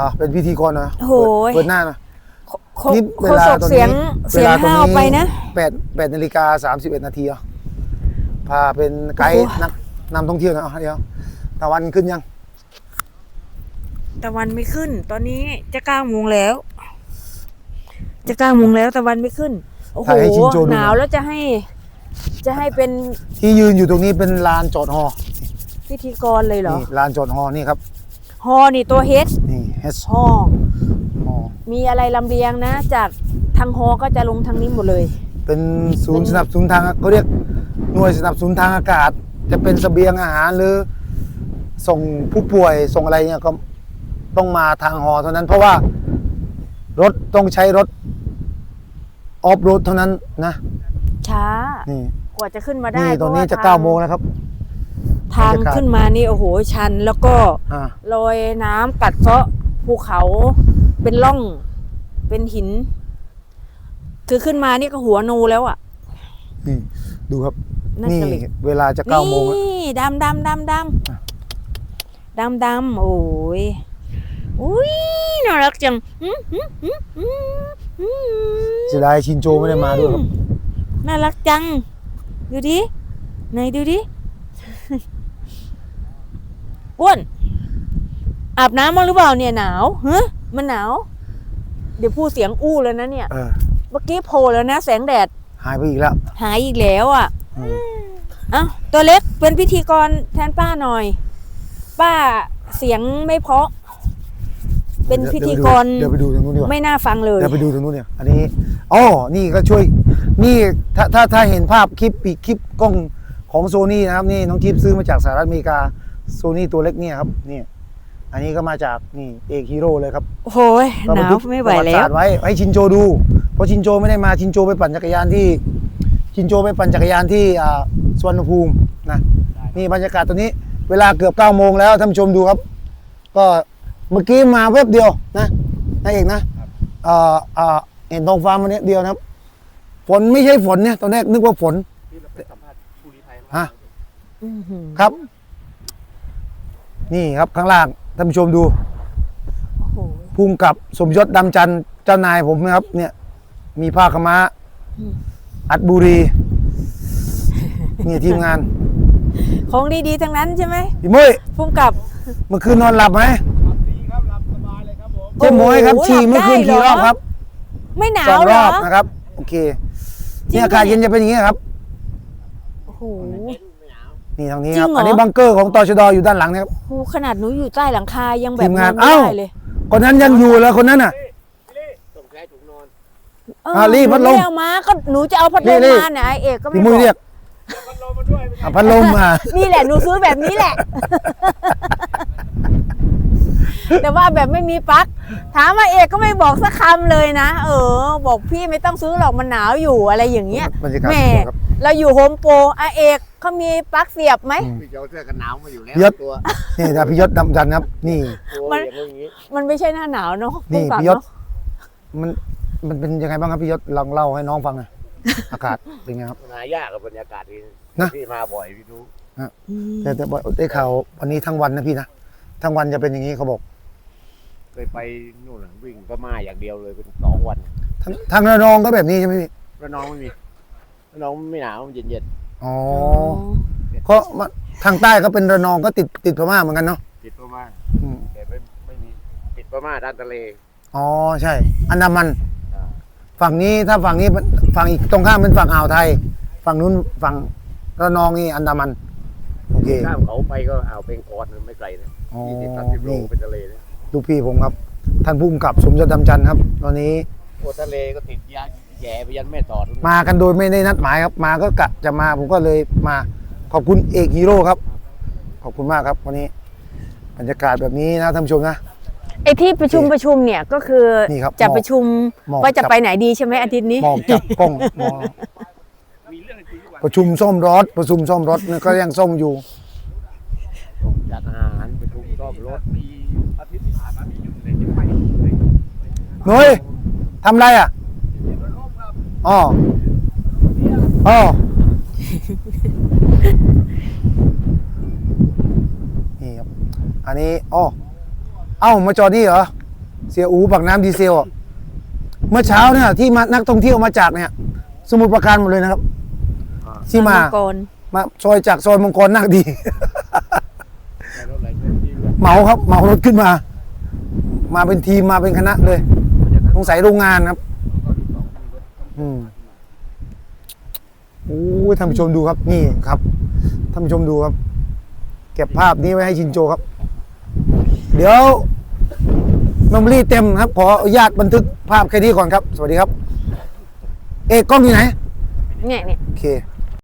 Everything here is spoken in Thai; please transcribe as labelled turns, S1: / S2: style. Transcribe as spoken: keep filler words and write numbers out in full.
S1: อ่าเป็นพิธีกรนะ
S2: โอ้โห
S1: เปิดหน้านะ
S2: โค
S1: นี่
S2: โคศกเสียงเสียงห้าวไปนะ
S1: แปดแปดนาฬิกาสามสิบเอ็ดนาทีอ่ะพาเป็นไกด์
S2: โอ้โห
S1: นักนำท่องเที่ยวนะเดี๋ยวตะวันขึ้นยัง
S2: ตะวันไม่ขึ้น ตอนนี้จะเก้าโมงแล้ว จะเก้าโมงแล้วตะวันไม่ขึ้นโอ้โห
S1: ถ่ายให้ชินโจดู
S2: หนาวแล้วจะให้ จะให้เป็น
S1: ที่ยืนอยู่ตรงนี้เป็นลานจอดฮอ
S2: พิธีกรเลยเหรอ
S1: นี่ลานจอดฮอนี่ครับ
S2: ฮอนี่ตัวเฮด
S1: นี่เฮส
S2: ฮอ
S1: ฮอ
S2: มีอะไรลำเลียงนะ จากทางฮอก็จะลงทางนี้หมดเลย
S1: เป็นศูนย์สนับสนุนทางเขาเรียกหน่วยสนับสนุนทางอากาศ จะเป็นเสบียงอาหารหรือส่งผู้ป่วยส่งอะไรเนี่ยก็ต้องมาทางฮอเท่านั้น เพราะว่ารถต้องใช้รถออฟโรดเท่านั้นนะ
S2: ช้า
S1: นี่
S2: กว่าจะขึ้นมาได้
S1: นี่ตอนนี้
S2: พร
S1: จะ
S2: ว่
S1: เก้าโมงแล้วครับ
S2: ทาง
S1: บรรยากาศ
S2: ขึ้นมานี่โอ้โหชัน แล้วก็
S1: อ่า
S2: ลอยน้ำกัดเซาะภูเขาเป็นร่องเป็นหิน คือขึ้นมานี่ก็หัวโนแล้วอ่ะ
S1: นี่ดูครับ
S2: น่า
S1: นี่
S2: จะเหล็ก
S1: เวลาจะเก้าโมงแล้ว
S2: นี่ดำดำดำด
S1: อ่ะ
S2: ำดำดำโอ้ยอุ้ยน่ารักจังอืมอืมอืมอืมอืม
S1: เสียดายชินโจไม่ได้มาด้วยครับ
S2: น่ารักจัง ดูดิไหนดูดิ อ้วนอาบน้ำมั้างหรือเปล่าเนี่ยหนาวฮะมันหนาว เดี๋ยวพูดเสียงอู้แล้วนะเนี่ย
S1: เออ
S2: เมื่อกี้โผล่แล้วนะแสงแดด
S1: หายไปอีกแล้ว
S2: หายอีกแล้วอ่ะ
S1: อืม
S2: เอ้าตัวเล็กเป็นพิธีกรแทนป้าหน่อย ป้าเสียงไม่เพราะ เป็นพิธีกร
S1: เดี๋ยวไปดูตรงนู้นดีกว่า
S2: ไม่น่าฟังเลย
S1: เดี๋ยวไปดูตรงนู้นเนี่ย อันนี้อ๋อนี่ก็ช่วย นี่ถ้าถ้าถ้าเห็นภาพคลิปปีกคลิปกล้องของโซนี่นะครับ นี่น้องทิพย์ซื้อมาจากสหรัฐอเมริกาโซนี่ตัวเล็กเนี่ยครับนี่อันนี้ก็มาจากนี่เอกฮีโร่เลยครับ
S2: โอ้ย
S1: ก็
S2: ห
S1: บั
S2: นาน ว
S1: ทึก
S2: ไม่ไหว
S1: ประติ
S2: แล้
S1: ศาว สตร์ไว้ให้ชินโจดู เพราะชินโจไม่ได้มาชินโจไปปั่นจักรยานที่ชินโจไปปั่นจักรยานที่อ่าสุวรรณภูมินะนี่บรรยากาศตอนนี้ เวลาเกือบเก้าโมงแล้วท่านผู้ชมดูครับ ก็เมื่อกี้มาแวบเดียวนะนายเอกนะเอ่อเอ่อเห็นท้องฟ้ามาเนี้ยเดียวนะครับ ฝนไม่ใช่ฝนเนี่ยตอนแรกนึกว่าฝนฮะ
S2: อื้อหือ
S1: ครับ นี่ครับข้างล่างท่านผู้ชมดู
S2: โอ้โห
S1: ภูมิกับสมยศดำจันทร์เจ้านายผมนะครับ เนี่ย มีผ้าขาวม้า
S2: อืม
S1: อัดบุรีนี่ทีมงาน
S2: ของดีๆทั้งนั้นใช่ไหม
S1: พี่มุ้ย
S2: พุ่มกับ
S1: เมื่อคืนนอนหลับไหม
S3: ดีครับหลับสบายเลยครับผม
S1: เจ๊หมวยครับ
S2: โอ้โห
S1: ฉี่
S2: หลับ
S1: เมื่อคืน
S2: ได้
S1: กี่
S2: เห
S1: ร
S2: รอ
S1: อบครับ
S2: ไม่หนา
S1: สอ
S2: ว
S1: ง
S2: เห
S1: ร
S2: ร
S1: อ
S2: อบ
S1: นะครับ โอเค
S2: จริง
S1: นี่อากาศ
S2: ปะเนี่ย
S1: เย็นจะเป็นอย่างนี้ครับ
S2: โอ้โห
S1: นี่ทางนี้
S2: จริ
S1: ครับ
S2: งเหรอ
S1: อันนี้บังเกอร์ของตชดอยู่ด้านหลังนะครับ
S2: โอ้โหขนาดหนูอยู่ใต้หลังคายังแบบ
S1: ทีมงาน
S2: นอนไม่
S1: เอ้า
S2: ได้เลย
S1: คนนั้นยังอยู่แล้วคนนั้นน่ะ
S3: ต้องใช้ถุงนอน
S2: เออ
S1: อ่ะรีบพัดลม
S2: หนูไเอามาก็หนูจะเอาพัดลม
S1: รีบ
S2: มาเนี่ยไอเอกก็ไม่
S1: พี่มุ้ย
S2: บอก
S1: เรียก
S3: พัดลมมาด้วยไม่
S1: อ่ะพัดลมมา
S2: นี่แหละหนูซื้อแบบนี้แหละ แต่ว่าแบบไม่มีปลั๊กถามว่าเอกก็ไม่บอกสักคำเลยนะเออ บอกพี่ไม่ต้องซื้อหรอกมันหนาวอยู่อะไรอย่างเงี้ย
S1: บรรยากาศ
S2: แหม่
S1: สวยครับ
S2: เราอยู่โฮมโปรอาเอกเขามีปลั๊กเสียบไหม
S1: อืม
S3: พี่เจ้าเสื้อกันหนาวมาอยู่แล้ว
S1: ยศ
S3: ตัว
S1: นี่นะพี่ยศดำจันทร์ครับ นี่
S3: ตัว
S2: มัน
S3: อย่างนี้
S2: มันไม่ใช่หน้าหนาวเนาะ
S1: นี่
S2: พุ่งกลับ
S1: พี่ยศ
S2: เนาะ
S1: มันมันเป็นยังไงบ้างครับพี่ยศลองเล่าให้น้องฟังหน่อย อากาศเป็นไงครับ
S3: หายากกับบรรยากาศที่
S1: นะ
S3: พี่มาบ่อยพี่รู้
S2: อืม
S1: แต่แต่บอกได้ข่าววันนี้ทั้งวันนะพี่นะทั้งวันจะเป็นอย่างนี้เขาบอก
S3: เคยไปนู่นน่ะวิ่งพม่าอย่างเดียวเลยเป็นสองวัน
S1: ทั้งทางระนองก็แบบนี้ใช่ไหมพี่
S3: ระนองไม่มีระนองไม่หนาวมันเย็นเย็น
S1: อ๋อเพราะว่าทางใต้ก็เป็นระนองก็ติดติดพม่าเหมือนกันเนาะ
S3: ๆติดพม่า
S1: อืม
S3: แต่ไม่ไม่มีติดพม่าด้านทะเล
S1: อ๋อใช่ อันดามัน
S3: อ่า
S1: ฝั่งนี้ถ้าฝั่งนี้ฝั่งอีกตรงข้ามเป็นฝั่งอ่าวไทย ฝั่งนู้นฝั่งระนองนี่อันดามันโอเค
S3: ข้ามเขาไปก็อ่าวเบงกอลมันไม่ไกลนะ
S1: อ๋อ
S3: ยี่สิบสามสิบโล
S1: นี่
S3: เป็นทะเลนะ
S1: ลูกพี่ผมครับ ท่านผู้กำกับสมยศดำจันทร์ครับ ตอนนี้
S3: โอ้ทะเลก็ติดยาแย่ไปยันแม่สอดนู่น
S1: มากันโดยไม่ได้นัดหมายครับ มาก็กะจะมาผมก็เลยมาขอบคุณเอกฮีโร่ครับ ขอบคุณมากครับ วันนี้บรรยากาศแบบนี้นะท่านผู้ชมนะ
S2: ไอที่ประชุมประชุมเนี่ยก็คือ
S1: นี่ครับ
S2: จะประชุม
S1: หมอก
S2: ว่าจะ
S1: จับ
S2: ไปไหนดีใช่ไหมอาทิตย์นี้
S1: มองจับกล้องมอง
S3: มีเรื่องอะไรทุกวัน
S1: ประชุมซ่อมรถประชุมซ่อมรถเนี่ยก็ยังซ่อมอยู่
S3: จัดอาหารประชุมซ่อมรถมีอาทิตย์ที่ผ่านมาที่อยู่ในที่ไป
S1: หนุ้ยทำไรอ่ะอ๋ออ๋อนี่ครับ อันนี้อ๋อเอ้ามาจอดนี่เหรอเสียอูปากน้ำดีเซลอะเมื่อเช้าเนี่ยที่มานักท่องเที่ยวมาจากเนี่ย สมุทรปราการหมดเลยนะครับ
S3: อ่า
S1: ที่มา
S2: งกร
S1: มาซอยจากซอยมังกรนักดี
S3: ในรถไหลเคลื่อนที่ด้วย
S1: เหมาครับเหมารถขึ้นมา มาเป็นทีมมาเป็นคณะเลยสงสัยโรงงานครับ อืมโอ้ยท่านผู้ชมดูครับ นี่ครับท่านผู้ชมดูครับ เก็บภาพนี้ไว้ให้ชินโจครับ เดี๋ยวเมมโมรี่เต็มครับ ขออนุญาตบันทึกภาพแค่นี้ก่อนครับ สวัสดีครับ เอกกล้องอยู่ไหน
S2: เนี่ยเนี่ย
S1: โอเค